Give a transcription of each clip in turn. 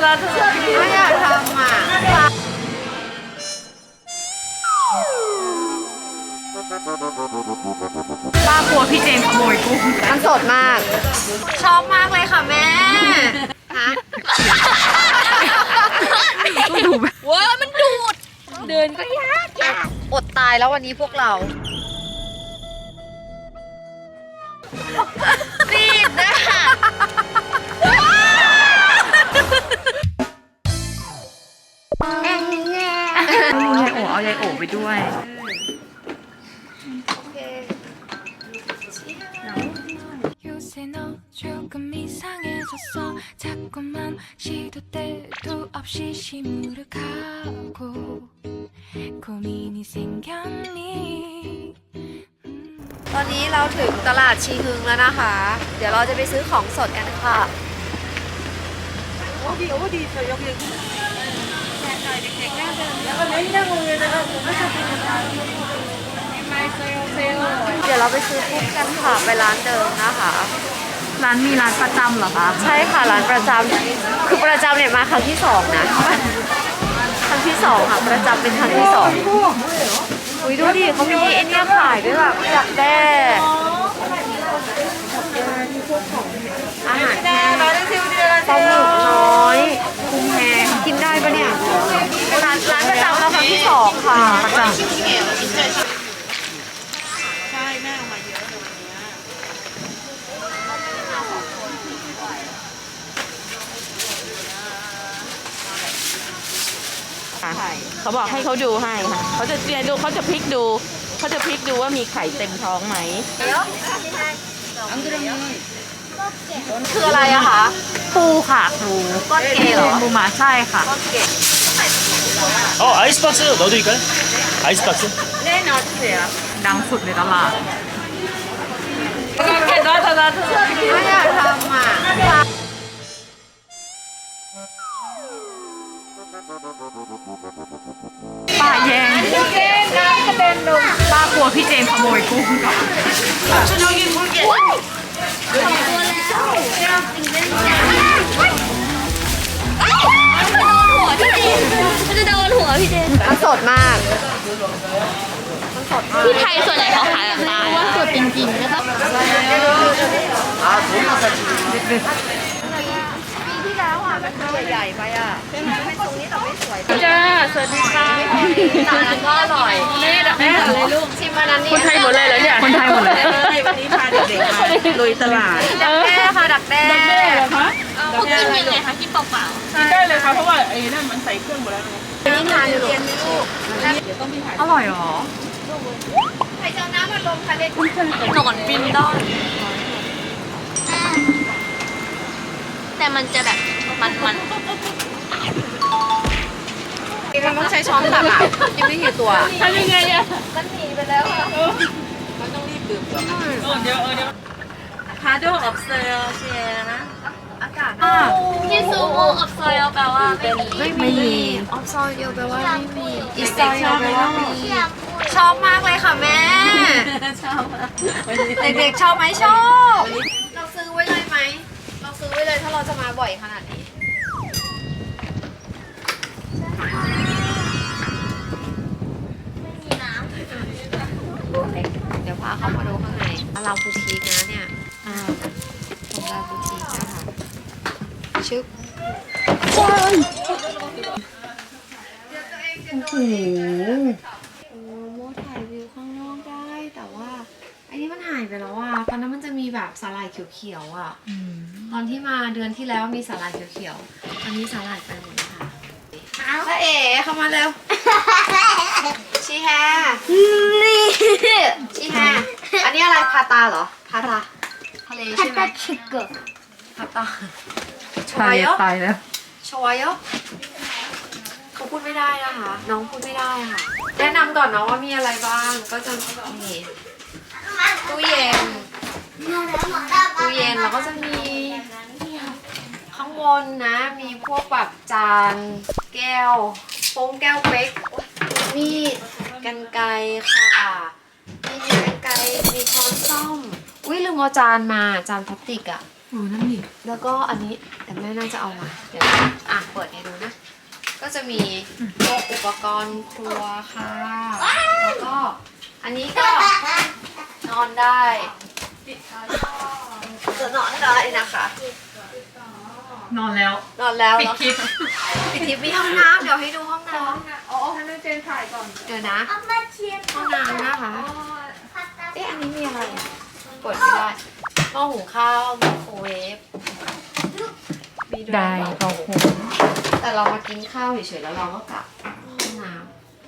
ไม่อยากทำอ่ะป้ากลัวพี่เจนขโมยกุ้งมันสดมาก ชอบมากเลยค่ะแม่ฮะดูแบบเว้ยมันดูด เดินก็ยากอดตายแล้ววันนี้พวกเรารีบนะยายโอเอายายโอไปด้วย 요새 너 조금 이상해졌어 자꾸만 시도 때도 없이 시무룩하고 고민이 생겼니 ตอนนี้เราถึงตลาดชีฮึงแล้วนะคะ เดี๋ยวเราจะไปซื้อของสดกันค่ะ เดี๋ยวเราไปซื้อกุ้งกันค่ะไปร้านเดิมนะคะร้านมีร้านประจำเหรอคะใช่ค่ะร้านประจำคือประจำเนี่ยมาครั้งที่สองนะครั้งที่สองค่ะประจำเป็นครั้งที่สองอุ้ยดูดิเขามีไอ้เนี่ยขายด้วยแบบอยากแด้อาหารแห้งปลาหมึกน้อยกุ้งแห้งกินได้ปะเนี่ยร้านประจำเราครั้งที่สองค่ะประจำเขาบอกให้เขาดูให้ค่ะเขาจะเรียนดูเขาจะพลิกดูว่ามีไข่เต็มท้องไหมคืออะไรอะคะปูค่ะปูก้อนเกย์เหรอปูมาใช่ค่ะก้อนเกย์ 아이스박스 넣어드릴까요? 아이스박스? ดังสุดในตลาดไม่อยากทำอ่ะป้าแย่งป้ากลัวพี่เจนขโมยกุ้งกับมันจะโดนหัวพี่เจนมันสดมากที่ไทยส่วนใหญ่เขาขายแบบนี้ว่าสดจริงๆนะครับปีที่แล้วอ่ะมันใหญ่ๆไปอ่ะเป็นตรงนี้แต่ไม่สวยจ้าสวัสดีค่ะจานนั้นก็อร่อยแม่เลยลูกชิมอันนั้นนี่คนไทยหมดเลยเหรอเนี่ยคนไทยหมดเลยวันนี้พาเด็กๆมาลุยตลาดดักแด้ค่ะดักแด้เขากินยังไงคะกินเปล่ากินได้เลยค่ะเพราะว่าไอ้นั่นมันใส่เครื่องหมดแล้วนี่ทานเย็นไหมลูกอร่อยเหรอใครจะเอาน้ำมาลงคะเด็กๆหนอนบินได้แต่มันจะแบบมันมันต้องใช้ช้อนตักอ่ะกินไม่กี่ตัวทำยังไงอะมันหนีไปแล้วอ่ะ 파도 없어요 시에나 อากาศที่ซูโออบซอยแปลว่าไม่มีออฟซอยเดียวแปลว่าไม่มีอีสซอยเดียวแปลว่ามีชอบมากเลยค่ะแม่ เด็กๆชอบไหมชอบ เราซื้อไว้เลยไหม เราซื้อไว้เลยถ้าเราจะมาบ่อยขนาดนี้ เดี๋ยวพาเข้ามาดูข้างในเราบูติกนะเนี่ยของเราบูติกนะคะชึบโอ้โหโมถ่ายวิวข้างนอกได้แต่ว่าอันนี้มันหายไปแล้วอ่ะตอนนั้นมันจะมีแบบสาหร่ายเขียวๆอ่ะตอนที่มาเดือนที่แล้วมีสาหร่ายเขียวๆตอนนี้สาหร่ายไปหมดแล้วค่ะพระเอ๋เข้ามาเร็วชีแฮชีแฮอันนี้อะไรพาตาเหรอพาตาทะเลใช่ไหมพาตาชตาวยยโยตายแล้วชวยโยเขาพูดไม่ได้นะคะ น้องพูดไม่ได้ค่ะ แนะนำก่อนเนาะว่ามีอะไรบ้าง ก็จะมีตู้เย็นแล้วก็จะมีข้างบนนะ มีพวกแบบจานแก้วโป้งแก้วเป๊กมีดกรรไกรค่ะ มีกรรไกรมีช้อนส้อมอุ้ยลืมเอาจานมาจานพลาสติกอะนั่นนี่แล้วก็อันนี้แต่แม่น่าจะเอามาเดี๋ยวเปิดให้ดูนะ ก็จะมีพวกอุปกรณ์ครัวค่ะ แล้วก็อันนี้ก็นอนได้จะนอนได้นะคะนอนแล้วนอนแล้วปิดคลิปปิดคลิปมีห้องน้ำเดี๋ยวให้ดูห้องน้อ๋อให้แม่เจนถ่ายก่อนำเดี๋ยวนะห้องน้ำนะคะเอ๊ะอันนี้มีอะไรอ่ะเปิดไม่ได้หม้อหุงข้าวไมโครเวฟมีวยได้เปล่าเขาคงแต่เรามากินข้าวเฉยๆแล้วเราก็กลับห้องน้ำ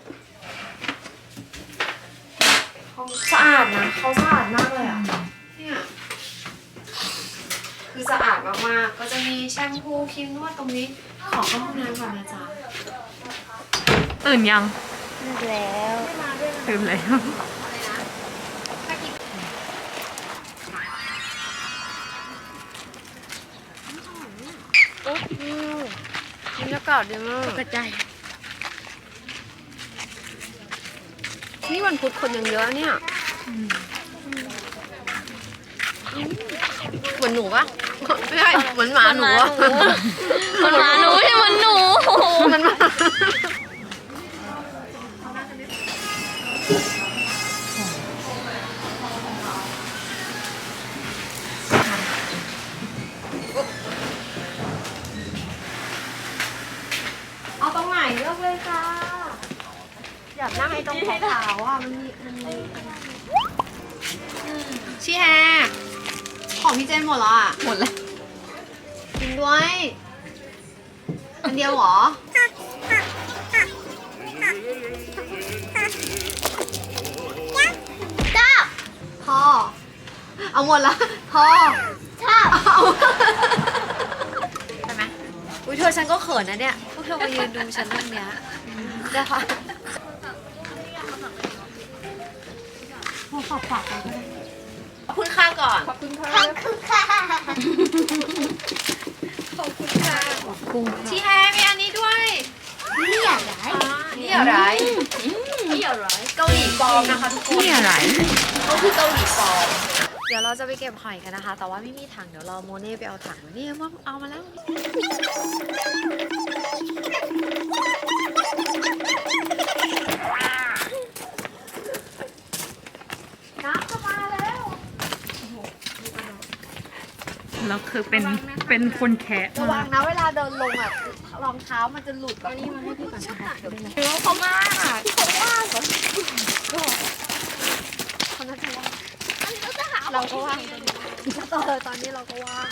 ห้องสะอาดนะเขาสะอาดมากเลยอ่ะเนี่ยคือสะอาดมากๆก็จะมีแชมพูครีมนวดตรงนี้ขอเข้าห้องน้ำก่อนนะจ๊ะตื่นยังแล้วตื่นแล้วบรรยากาศดีมากกระจายนี่วันพุธคนยังเยอะเนี่ยเหมือนหนูปะไม่ใช่เหมือนหมาหนูอะมันหมาหนูใช่มันหนูมันหมา เอาตรงไหนเลือกเลยค่ะ อยากนั่งไอ้ตรงขาวๆอ่ะมันมีชี้แฮของพี่เจนหมดแล้วอ่ะหมดแล้วกินด้วย อันเดียวเหรอจ้าพอ เอาหมดแล้วพอจ้าเอาใช่ไหมอุ้ยเธอฉันก็เขินนะเนี่ย พวกเธอมายืนดูฉันตรงเนี้ยจะพาฝากไปก็ได้ขอบคุณค่าก่อนขอบคุณค่ะชีแฮมีอันนี้ด้วยนี่อะไรนี่อะไรนี่อะไรเกาหลีปลอมนะคะทุกคนนี่อะไรเขาคือเกาหลีปลอมเดี๋ยวเราจะไปเก็บหอยกันนะคะ แต่ว่าไม่มีถังเดี๋ยวรอโมเน่ไปเอาถังนี่ว่าเอามาแล้วน้ำจะมาแล้วแล้วคือเป็นคนแคะระวังนะเวลาเดินลงอ่ะรองเท้ามันจะหลุดแบบนี้มันให้พี่ก่อนนะคะเดี๋ยวนะเขามากเขาน่าจะว่างอันนี้ก็จะหาเราก็ว่างตอนนี้เราก็ว่าง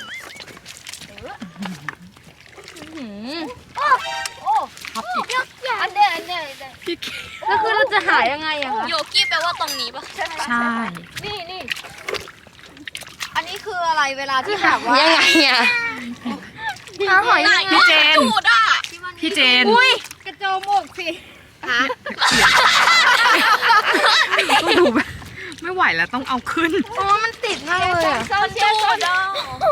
อันเดียวแล้วคือเราจะหายังไงอะคะโยกี้แปลว่าตรงนี้ปะใช่นี่อันนี้คืออะไรเวลาที่แบบว่ายังไงอะหาหอยพี่เจนจูดอะพี่เจนกระโจมกสิฮะต้องดูแบบไม่ไหวแล้วต้องเอาขึ้นอ๋อมันติดมากเลยอะมันจูดอะ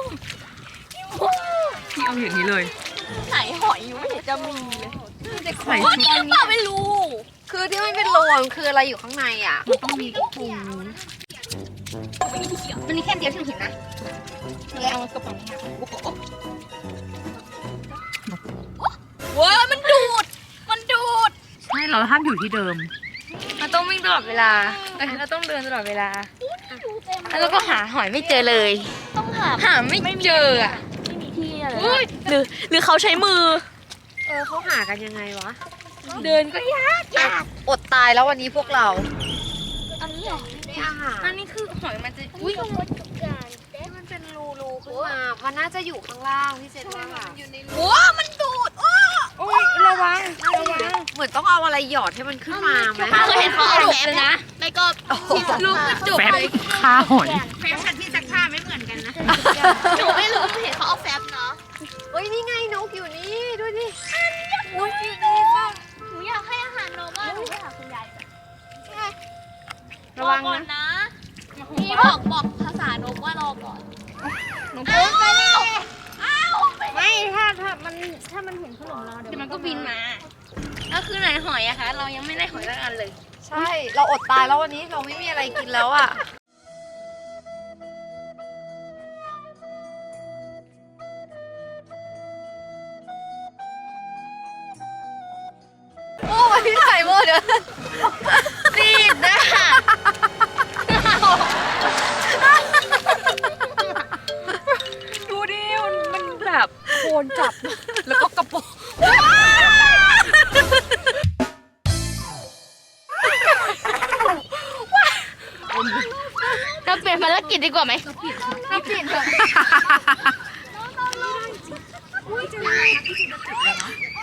พี่เอาอย่างนี้เลยไหนหอยอยู่ไม่เห็นจะมีเลยใส่ว่าชุดนี่หรือเปล่าไม่รู้คือที่มันเป็นโลนคืออะไรอยู่ข้างในอ่ะมันต้องมีถุงมันมีแค่เดียวที่เห็นนะเลยเอากระป๋องนี้เว้ยมันดูดใช่เราห้ามอยู่ที่เดิมมันต้องวิ่งตลอดเวลาเราต้องเดินตลอดเวลา แล้วก็หาหอยไม่เจอเลย ต้องหาไม่เจออ่ะไม่มีที่อะไรหรือเขาใช้มือเขาหากันยังไงวะเดินก็ยากอดตายแล้ววันนี้พวกเราอันนี้เหรอไม่อาหารอันนี้คือหอยมันจะอุ้ยมันเป็นรูขึ้นมามันน่าจะอยู่ข้างล่างพี่เจนว่าโอ้มันดูดโอ้ยระวังเหมือนต้องเอาอะไรหยอดให้มันขึ้นมาไหมเคยเห็นเขาเอาแฟบเลยนะไม่ก็ลูกกระจุกแฟบค่าหอยแฟบกับที่ซักผ้าไม่เหมือนกันนะหนูไม่รู้เห็นเขาเอาแฟบเนาะเฮ้ยนี่ไงนกอยู่นี่ด้วยดิอุ้ยนี่ค่ะหนูอยากให้อาหารนกอ่ะหนูไปหาคุณยายระวังนะพี่บอกภาษานกว่ารอก่อนหนูพูดไปแล้วอ้าวไม่ถ้ามันเห็นขนมเราเดี๋ยวมันก็บินมาก็คือไหนหอยอะคะเรายังไม่ได้หอยสักอันเลยใช่เราอดตายแล้ววันนี้เราไม่มีอะไรกินแล้วอ่ะหมดเลยติดนะดูดิมันแบบโคนจับ แล้วก็กระโปรงเราเปลี่ยนภารกิจดีกว่าไหมเราเปลี่ยนเถอะ